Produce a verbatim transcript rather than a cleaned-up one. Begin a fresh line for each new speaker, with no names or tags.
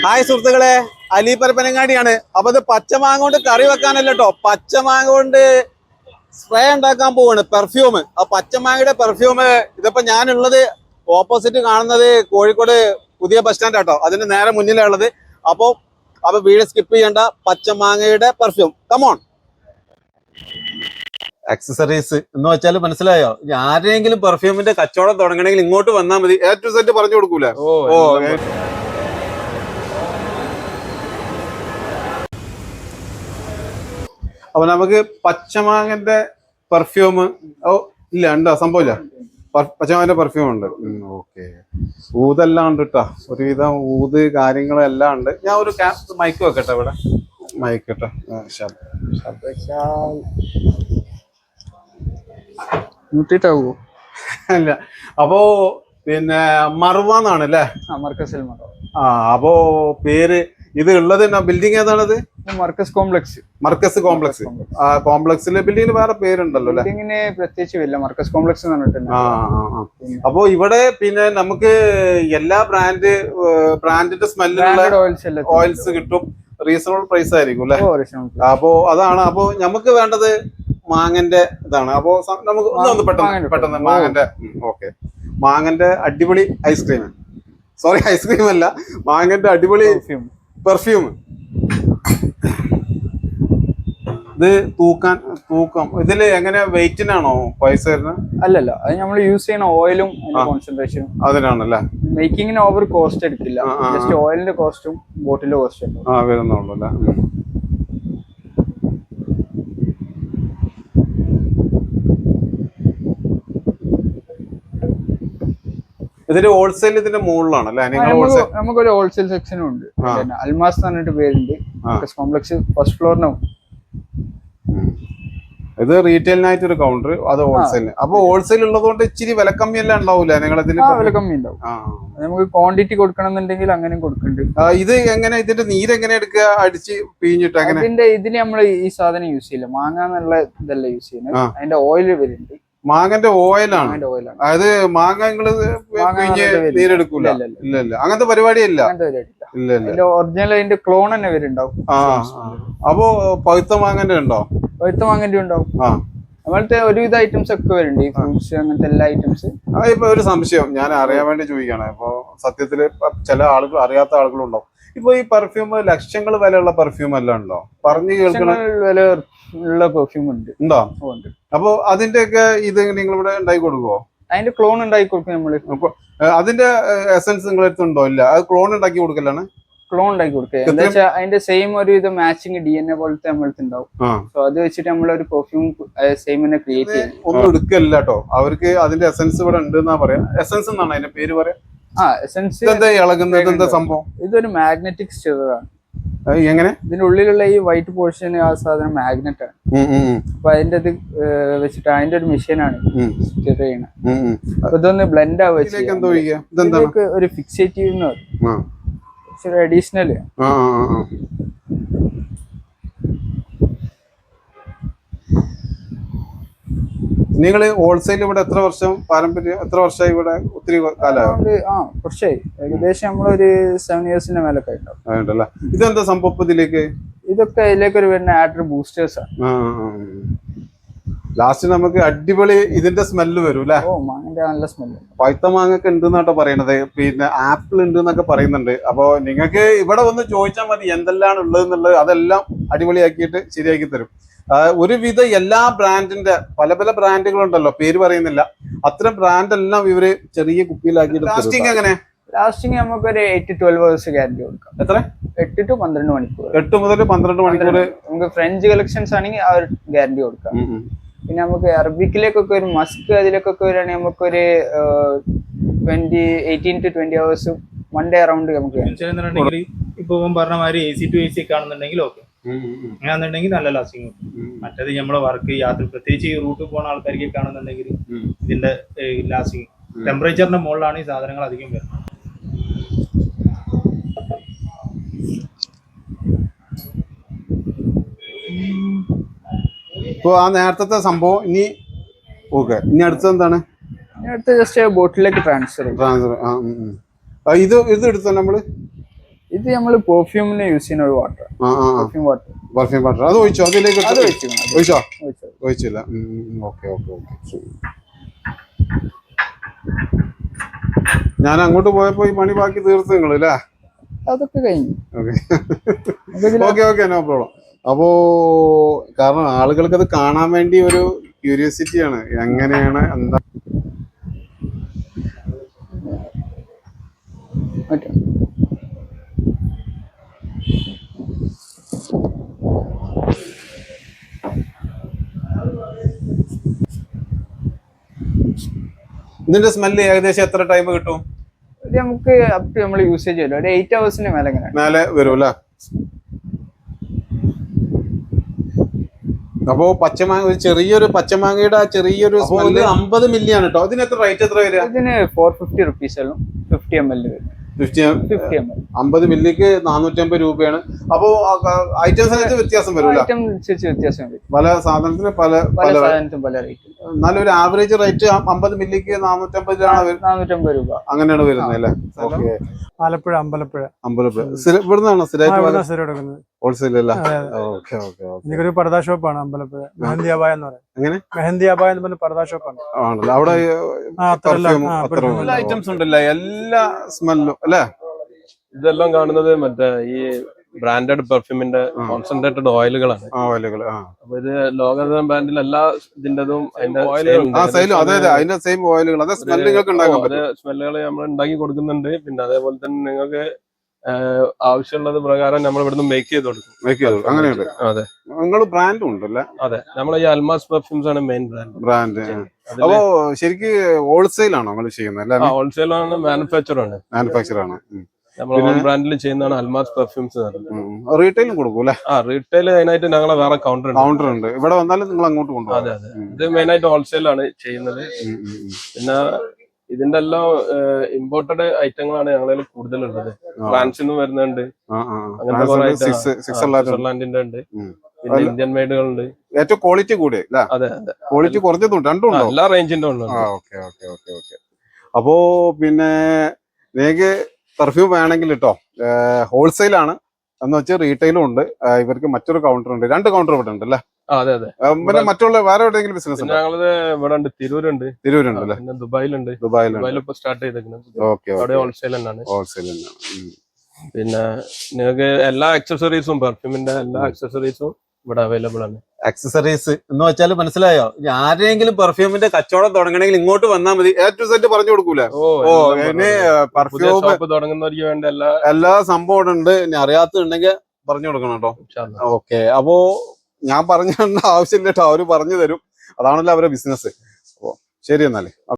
Hi സുഹൃത്തുക്കളെ, അലി പരപ്പനങ്ങാടിയാണ്. അപ്പൊ ഇത് പച്ചമാങ്ങ കൊണ്ട് കറി വെക്കാനല്ല കേട്ടോ, പച്ചമാങ്ങ കൊണ്ട് സ്പ്രേ ഉണ്ടാക്കാൻ പോവാണ്, പെർഫ്യൂം. ആ പച്ചമാങ്ങയുടെ പെർഫ്യൂം ഇതിപ്പോ ഞാനുള്ളത് ഓപ്പോസിറ്റ് കാണുന്നത് കോഴിക്കോട് പുതിയ ബസ് സ്റ്റാൻഡ് ആട്ടോ, അതിന് നേരെ മുന്നിലുള്ളത്. അപ്പോ അപ്പൊ വീട് സ്കിപ്പ് ചെയ്യേണ്ട, പച്ചമാങ്ങയുടെ പെർഫ്യൂം. കമോൺ. അക്സസറീസ് എന്ന് വെച്ചാൽ മനസ്സിലായോ? ആരെങ്കിലും പെർഫ്യൂമിന്റെ കച്ചവടം തുടങ്ങണമെങ്കിൽ ഇങ്ങോട്ട് വന്നാൽ മതി. എ ടു സെറ്റ് പറഞ്ഞു കൊടുക്കൂല. ഓ അപ്പൊ നമുക്ക് പച്ചമാങ്ങന്റെ പെർഫ്യൂം. ഓ ഇല്ല, ഉണ്ടോ? സംഭവമില്ല. പച്ചമാങ്ങന്റെ പെർഫ്യൂം ഉണ്ട്. ഓക്കെ. ഊതെല്ലാം ഉണ്ട് കേട്ടോ, ഒരുവിധം ഊത് കാര്യങ്ങളെല്ലാം ഉണ്ട്. ഞാൻ ഒരു മൈക്ക് വെക്കട്ടെ ഇവിടെ, മൈക്ക് കേട്ടോ. അല്ല, അപ്പോ പിന്നെ മർവാന്നാണ് അല്ലേ? ആ, അപ്പോ പേര് ഇത് ഉള്ളത് ബിൽഡിംഗ് ഏതാണത്?
മർക്കസ് കോംപ്ലക്സ്.
മർക്കസ് കോംപ്ലക്സ്. ആ കോംപ്ലക്സിലെ ബിൽഡിങ്ങിന് വേറെ പേരുണ്ടല്ലോ അല്ലെ?
ബിൽഡിങ്ങിന് പ്രത്യേകിച്ച് മർക്കസ് കോംപ്ലക്സ് എന്ന് പറഞ്ഞിട്ടുണ്ട്.
ആ, അപ്പോ ഇവിടെ പിന്നെ നമുക്ക് എല്ലാ ബ്രാൻഡ് ബ്രാൻഡിന്റെ സ്മെല്ലുള്ള ഓയിൽസ് കിട്ടും. റീസണബിൾ പ്രൈസ് ആയിരിക്കും അല്ലെ? അപ്പോ അതാണ്. അപ്പോ നമുക്ക് വേണ്ടത് മാങ്ങന്റെ ഇതാണ്. അപ്പോ നമുക്ക് ഒന്ന് പെട്ടെന്ന് പെട്ടെന്ന് മാങ്ങന്റെ. ഓക്കെ, മാങ്ങന്റെ അടിപൊളി ഐസ്ക്രീം. സോറി, ഐസ്ക്രീം അല്ല, മാങ്ങന്റെ അടിപൊളി പെർഫ്യൂം. ഇത് തൂക്കാൻ തൂക്കം ഇതില് എങ്ങനെ വെയിറ്റിനാണോ പൈസ വരുന്നത്?
അല്ലല്ല, അത് നമ്മൾ യൂസ് ചെയ്യുന്ന ഓയിലും കോൺസെൻട്രേഷനും
അതിനാണല്ലേ.
മേക്കിങ്ങിന് ഓവർ കോസ്റ്റ് എടുക്കില്ല, ജസ്റ്റ് ഓയിലിന്റെ കോസ്റ്റും ബോട്ടിലിന്റെ കോസ്റ്റും
ആ വരുന്നുള്ളൂ അല്ലേ. ഇതിന്റെ ഹോൾസെയിൽ ഇതിന്റെ മുകളിലാണ് അല്ലെ?
നമുക്കൊരു ഹോൾസെയിൽ സെക്ഷനും ഉണ്ട്. അൽമാസ് എന്ന് പറഞ്ഞിട്ട് പേരുണ്ട്. കോംപ്ലക്സ് ഫസ്റ്റ് ഫ്ലോറിനും.
ഇത് റീറ്റെയിലിനായിട്ട് ഒരു കൗണ്ടർ, അത് ഹോൾസെയിലിന്. അപ്പൊ ഹോൾസെയിൽ ഉള്ളതുകൊണ്ട് ഇച്ചിരി വില കമ്മി എല്ലാം ഉണ്ടാവൂല നിങ്ങളതിൽ?
വില കമ്മി ഉണ്ടാവും. നമുക്ക് ക്വാണ്ടിറ്റി കൊടുക്കണം എന്നുണ്ടെങ്കിൽ അങ്ങനെ കൊടുക്കുന്നുണ്ട്.
ഇത് എങ്ങനെ ഇതിന്റെ നീര് എങ്ങനെ എടുക്കുക? അടിച്ച് പിഴിഞ്ഞിട്ട് അങ്ങനെ?
ഇതിന്റെ ഇതിന് നമ്മൾ ഈ സാധനം യൂസ് ചെയ്യില്ല, മാങ്ങ എന്നുള്ള ഇതല്ല യൂസ് ചെയ്യുന്നത്. അതിന്റെ ഓയിൽ വരുന്നുണ്ട്.
മാങ്ങന്റെ ഓയിലാണ്. അതായത് മാങ്ങ നിങ്ങള് നീരെടുക്കൂല? ഇല്ല ഇല്ല, അങ്ങനത്തെ പരിപാടിയില്ല. ഇല്ല ഇല്ല,
ഒറിജിനൽ അതിന്റെ ക്ലോൺ തന്നെ വരുന്നുണ്ടാവും.
ആ, അപ്പോ പഴുത്ത മാങ്ങന്റെ ഉണ്ടോ?
പഴുത്ത മാങ്ങന്റെ ഉണ്ടാവും.
ആ,
അങ്ങനത്തെ ഒരുവിധ ഐറ്റംസ് ഒക്കെ വരുന്നുണ്ട്, ഈ ഫ്രൂട്ട്സ് അങ്ങനത്തെ എല്ലാ ഐറ്റംസ്.
ഇപ്പൊ ഒരു സംശയം ഞാൻ അറിയാൻ വേണ്ടി ചോദിക്കാണ്. ഇപ്പൊ സത്യത്തില് ചില ആളുകൾ അറിയാത്ത ആളുകളുണ്ടാവും. ഇപ്പൊ ഈ പെർഫ്യൂം ലക്ഷങ്ങൾ വിലയുള്ള പെർഫ്യൂം എല്ലാം ഉണ്ടോ? പറഞ്ഞു കേൾക്കണ
വില ഉള്ള പെർഫ്യൂം ഉണ്ട്.
ഉണ്ടോ? അപ്പൊ അതിന്റെ ഒക്കെ ഇത് നിങ്ങൾ ഇവിടെ ഉണ്ടാക്കി കൊടുക്കുവോ?
അതിന്റെ ക്ലോൺ ഉണ്ടാക്കി കൊടുക്കും നമ്മള്.
അതിന്റെ എസൻസ് നിങ്ങളുടെ അടുത്തുണ്ടോ? ഇല്ല, അത് ക്ലോൺ ഉണ്ടാക്കി കൊടുക്കലാണ്.
ക്ലോൺ ഉണ്ടാക്കി കൊടുക്കുക എന്താ വെച്ചാൽ അതിന്റെ സെയിം ഒരു ഇത് മാച്ചിങ് ഡി എൻ എ പോലത്തെ നമ്മളടുത്ത് ഉണ്ടാവും. സോ അത് വെച്ചിട്ട് നമ്മളൊരു പെർഫ്യൂം സെയിം തന്നെ ക്രിയേറ്റ് ചെയ്യും.
ഒന്നും എടുക്കല്ല കേട്ടോ, അവർക്ക് അതിന്റെ എസൻസ് ഇവിടെ ഉണ്ട് എന്നാ പറയാ. എസൻസ് എന്നാണ് അതിന്റെ പേര് പറയാ.
ആ, എസൻസ്.
എന്താ ഇളകുന്നത്? എന്താ സംഭവം?
ഇതൊരു മാഗ്നറ്റിക് സ്റ്റിറർ ആണ്.
എങ്ങനെ?
ഇതിന്റെ ഉള്ളിലുള്ള ഈ വൈറ്റ് പോർഷൻ ആ സാധനം മാഗ്നറ്റ് ആണ്. അപ്പൊ അതിന്റെ ഇത് വെച്ചിട്ട് അതിന്റെ ഒരു മെഷീനാണ് സ്റ്റിർ ചെയ്യണത്. അപ്പൊ ഇതൊന്ന് ബ്ലെൻഡ് ആവുക, ഒരു ഫിക്സേറ്റീവ് എന്ന് പറയും, അഡീഷണൽ.
നിങ്ങള് ഹോൾസെയിൽ ഇവിടെ എത്ര വർഷം പാരമ്പര്യം? എത്ര വർഷമായി ഇവിടെ? ഒത്തിരി കാലമായി?
ആ, കുറച്ചായി. ഏകദേശം നമ്മളൊരു സെവൻ ഇയേഴ്സിന്റെ മേലൊക്കെ ആയിട്ടുണ്ടല്ലേ.
ഇതെന്താ സംഭവം ഇതിലേക്ക്?
ഇതൊക്കെ ഇതിലേക്ക് ഒരു വരുന്ന ആഡർ ബൂസ്റ്റേഴ്സ് ആണ്.
ലാസ്റ്റ് നമുക്ക് അടിപൊളി ഇതിന്റെ സ്മെല്ല് വരും അല്ലെ?
ഓ, മാങ്ങന്റെ നല്ല സ്മെല്ല്.
പഴുത്ത മാങ്ങൊക്കെ ഉണ്ട് എന്നാട്ടോ പറയണത്. പിന്നെ ആപ്പിൾ ഉണ്ട് എന്നൊക്കെ പറയുന്നുണ്ട്. അപ്പൊ നിങ്ങൾക്ക് ഇവിടെ വന്ന് ചോദിച്ചാൽ മതി എന്തെല്ലാം ഉള്ളത് എന്നുള്ളത്. അതെല്ലാം അടിപൊളിയാക്കിയിട്ട് ശരിയാക്കി തരും. ഒരുവിധ എല്ലാ ബ്രാൻഡിന്റെ പല പല ബ്രാൻഡുകളുണ്ടല്ലോ, പേര് പറയുന്നില്ല. അത്തരം ബ്രാൻഡ് എല്ലാം ഇവര് ചെറിയ കുപ്പിയിലാക്കിയിട്ട്. ലാസ്റ്റിംഗ് എങ്ങനെ?
ലാസ്റ്റിംഗ് നമുക്ക് ഒരു എയ്റ്റ് ട്വൽവ് അവേഴ്സ് ഗ്യാരണ്ടി കൊടുക്കാം.
എത്ര?
എട്ട് ടു പന്ത്രണ്ട് മണിക്കൂർ.
എട്ട് മുതൽ പന്ത്രണ്ട് മണിക്കൂർ
നമുക്ക് ഫ്രഞ്ച് കളക്ഷൻസ് ആണെങ്കിൽ ആ ഒരു ഗ്യാരണ്ടി കൊടുക്കാം. പിന്നെ നമുക്ക് അറബിക്കിലേക്കൊക്കെ ഒരു മസ്ക് അതിലേക്കൊക്കെ വരികയാണെങ്കിൽ നമുക്കൊരു twenty eighteen to twenty hours one day around നമുക്ക്.
ഇപ്പൊ പറഞ്ഞ മാതിരി A C to A C ഒക്കെ ആണെന്നുണ്ടെങ്കിൽ ഓക്കെ, അങ്ങനെയാണെന്നുണ്ടെങ്കിൽ നല്ല ലാസ്റ്റിംഗ്. മറ്റേത് നമ്മളെ വർക്ക് യാത്ര പ്രത്യേകിച്ച് ഈ റൂട്ടിൽ പോകുന്ന ആൾക്കാർക്കൊക്കെ ആണെന്നുണ്ടെങ്കിൽ ഇതിന്റെ ലാസ്റ്റിംഗ് ടെമ്പറേച്ചറിന്റെ മുകളിലാണ് ഈ സാധനങ്ങൾ അധികം വരുന്നത്.
ഇപ്പൊ ആ നേരത്തെ സംഭവം ഇനി ഓക്കെ, ഇനി അടുത്തത് എന്താണ്?
അടുത്ത ജസ്റ്റ് ബോട്ടിലേക്ക് ട്രാൻസ്ഫർ
ട്രാൻസ്ഫർ. ഇത് ഇത് എടുത്തോ നമ്മള്?
ഇത് ഇത് നമ്മള് പെർഫ്യൂമിന് യൂസ് ചെയ്യുന്ന ഒരു water, perfume water.
Perfume water അത് ഒഴിച്ചോ? അതിലേക്ക്
അത് ഒഴിച്ചു
ഒഴിച്ചോ? ഒഴിച്ചില്ല. Okay okay okay. ഞാൻ അങ്ങോട്ട് പോയപ്പോ ഈ പണി ബാക്കി തീർത്ത് നിങ്ങൾ അല്ലേ?
അതൊക്കെ കഴിഞ്ഞു.
Okay okay no problem. അപ്പോ കാരണം ആളുകൾക്ക് അത് കാണാൻ വേണ്ടി ഒരു ക്യൂരിയോസിറ്റിയാണ്, എങ്ങനെയാണ് എന്താ. ഇതിന്റെ സ്മെല്ല് ഏകദേശം എത്ര ടൈം കിട്ടും?
ഇത് നമുക്ക് അപ് ടു നമ്മൾ യൂസേജ് ചെയ്യല്ലോ ഒരു എയ്റ്റ് ഹവേഴ്സിന് മേലെ എങ്ങനെ
മേലെ വരും അല്ലേ? അപ്പോ പച്ചമാങ്ങ, ഒരു ചെറിയൊരു പച്ചമാങ്ങയുടെ ചെറിയൊരു സ്മെല്ല് അമ്പത് മില്ലി ആണ് കേട്ടോ. ഇതിന് എത്ര റേറ്റ് എത്ര വരിക?
ഇതിന് four fifty rupees fifty M L വരും.
ഫിഫ്റ്റി
ഫിഫ്റ്റി എം എൽ
അമ്പത് മില്ലിക്ക് നാനൂറ്റി അമ്പത് രൂപയാണ്. അപ്പോ ഐറ്റംസിനകത്ത് വ്യത്യാസം വരും,
ഐറ്റം അനുസരിച്ച് വ്യത്യാസം വരും.
പല സാധനത്തിന് പല
പല സാധനത്തിനും പല റേറ്റ്.
എന്നാലും ഒരു ആവറേജ് റേറ്റ് അമ്പത് മില്ലിക്ക് നാനൂറ്റമ്പതിലാണ്
നാനൂറ്റമ്പത് രൂപ
അങ്ങനെയാണ് വരുന്നത് അല്ലേ? ഓക്കെ.
ആലപ്പുഴ അമ്പലപ്പുഴ
അമ്പലപ്പുഴ ഇവിടുന്നാണോ
സ്ഥിരമായിട്ട്
ഹോൾസെയിൽ അല്ല? Okay okay okay.
എനിക്കൊരു പർദാ ഷോപ്പാണ് അമ്പലപ്പുഴ, മെഹന്തി അബായ എന്ന് പറയും.
എങ്ങനെ?
മെഹന്തി അബായ എന്ന് പറഞ്ഞ പർദാ ഷോപ്പാണ്.
ആണല്ലോ. അവിടെ
എല്ലാ
ഐറ്റംസ് ഉണ്ടല്ലോ, എല്ലാ സ്മെല്ലും അല്ലേ?
ഇതെല്ലാം കാണുന്നത് മറ്റേ ഈ ബ്രാൻഡഡ് പെർഫ്യൂമിന്റെ കോൺസെൻട്രേറ്റഡ് ഓയിലുകളാണ്.
ഓയിലുകൾ.
അപ്പൊ ഇത് ലോകതരം ബ്രാൻഡിൽ എല്ലാ ഇതിന്റെതും അതിന്റെ
അതിന്റെ സെയിം ഓയിലുകൾ, അതേ
സ്മെല്ലുകൾ നമ്മൾ ഉണ്ടാക്കി കൊടുക്കുന്നുണ്ട്. പിന്നെ അതേപോലെ തന്നെ നിങ്ങൾക്ക് ആവശ്യമുള്ളത് പ്രകാരം നമ്മൾ ഇവിടുന്ന് മേക്ക് ചെയ്ത് കൊടുക്കും.
മേക്ക് ചെയ്ത് അങ്ങനെയുണ്ട്.
അതെ,
നിങ്ങൾ ബ്രാൻഡും ഉണ്ടല്ലേ?
അതെ, നമ്മൾ ഈ അൽമാസ് പെർഫ്യൂംസ് ആണ് മെയിൻ ബ്രാൻഡ്.
ബ്രാൻഡ്. അപ്പോ ശരിക്കും ഹോൾസെയിൽ ആണോ നിങ്ങൾ ചെയ്യുന്നത്?
ഹോൾസെയിൽ ആണ്, മാനുഫാക്ചർ ആണ്.
മാനുഫാക്ചർ ആണ്.
നമ്മൾ ഓൺ ബ്രാൻഡിൽ ചെയ്യുന്നതാണ് അൽമാസ് പെർഫ്യൂംസ്.
റീറ്റെയിലും കൊടുക്കും അല്ലേ?
ആ, റീറ്റെയിൽ അതിനായിട്ട് ഞങ്ങളെ വേറെ കൗണ്ടർ ഉണ്ട്.
കൗണ്ടർ ഉണ്ട്. ഇവിടെ വന്നാലും നിങ്ങൾ അങ്ങോട്ട് കൊണ്ടുപോകും?
അതെ അതെ, ഇത് മെയിൻ ആയിട്ട് ഹോൾസെയിൽ ആണ് ചെയ്യുന്നത്. പിന്നെ ഇതിന്റെ എല്ലാം ഇമ്പോർട്ടഡ് ഐറ്റങ്ങളാണ് ഞങ്ങളിൽ കൂടുതലുള്ളത്. ഫ്രാൻസിൽ നിന്ന് വരുന്നുണ്ട്, അങ്ങനത്തെ കുറെ സ്വിറ്റ്സർലാൻഡിന്റെ ഉണ്ട്, പിന്നെ ഇന്ത്യൻ മെയ്ഡുകളുണ്ട്.
ഏറ്റവും ക്വാളിറ്റി കൂടി.
അതെ അതെ,
ക്വാളിറ്റി കുറഞ്ഞതും രണ്ടും
എല്ലാ റേഞ്ചിന്റെ ഉണ്ട്.
Okay okay okay okay. അപ്പോ പിന്നെ നിങ്ങൾക്ക് പെർഫ്യൂം വേണമെങ്കിൽ കേട്ടോ, ഹോൾസെയിൽ ആണ് എന്ന് വെച്ചാൽ റീറ്റെയിലും ഉണ്ട്. ഇവർക്ക് മറ്റൊരു കൗണ്ടർ ഉണ്ട്, രണ്ട് കൗണ്ടർ ഇവിടെ ഉണ്ട് അല്ലേ?
അതെ അതെ.
പിന്നെ മറ്റുള്ള വേറെ എവിടെയെങ്കിലും ബിസിനസ്?
ഞങ്ങളത് ഇവിടെ ഉണ്ട്, തിരൂരുണ്ട്.
തിരൂരുണ്ട് അല്ലേ?
പിന്നെ ദുബായിലുണ്ട്.
ദുബായിലുണ്ട്
ഇപ്പൊ സ്റ്റാർട്ട് ചെയ്തേക്കുന്നത്.
ഓക്കെ.
അവിടെ ഹോൾസെയിൽ തന്നെയാണ്.
ഹോൾസെയിൽ തന്നെയാണ്.
പിന്നെ നിങ്ങൾക്ക് എല്ലാ അക്സസറീസും പെർഫ്യൂമിന്റെ എല്ലാ അക്സസറീസും ഇവിടെ അവൈലബിൾ ആണ്.
അക്സസറീസ് എന്ന് വെച്ചാൽ മനസ്സിലായോ? ആരെങ്കിലും പെർഫ്യൂമിന്റെ കച്ചവടം തുടങ്ങണമെങ്കിൽ ഇങ്ങോട്ട് വന്നാൽ മതി, എ ടു സെറ്റ് പറഞ്ഞു കൊടുക്കൂലേ? ഓ, ഇനി പെർഫ്യൂം
തുടങ്ങുന്നവർക്ക് വേണ്ട എല്ലാ
എല്ലാ സംഭവം ഉണ്ട്. ഇനി അറിയാത്തുണ്ടെങ്കിൽ പറഞ്ഞു കൊടുക്കണം കേട്ടോ. ഓക്കെ. അപ്പോ ഞാൻ പറഞ്ഞു തരേണ്ട ആവശ്യമില്ല കേട്ടോ, അവര് പറഞ്ഞു തരും. അതാണല്ലോ അവരുടെ ബിസിനസ്. അപ്പോ ശരി എന്നാലേ.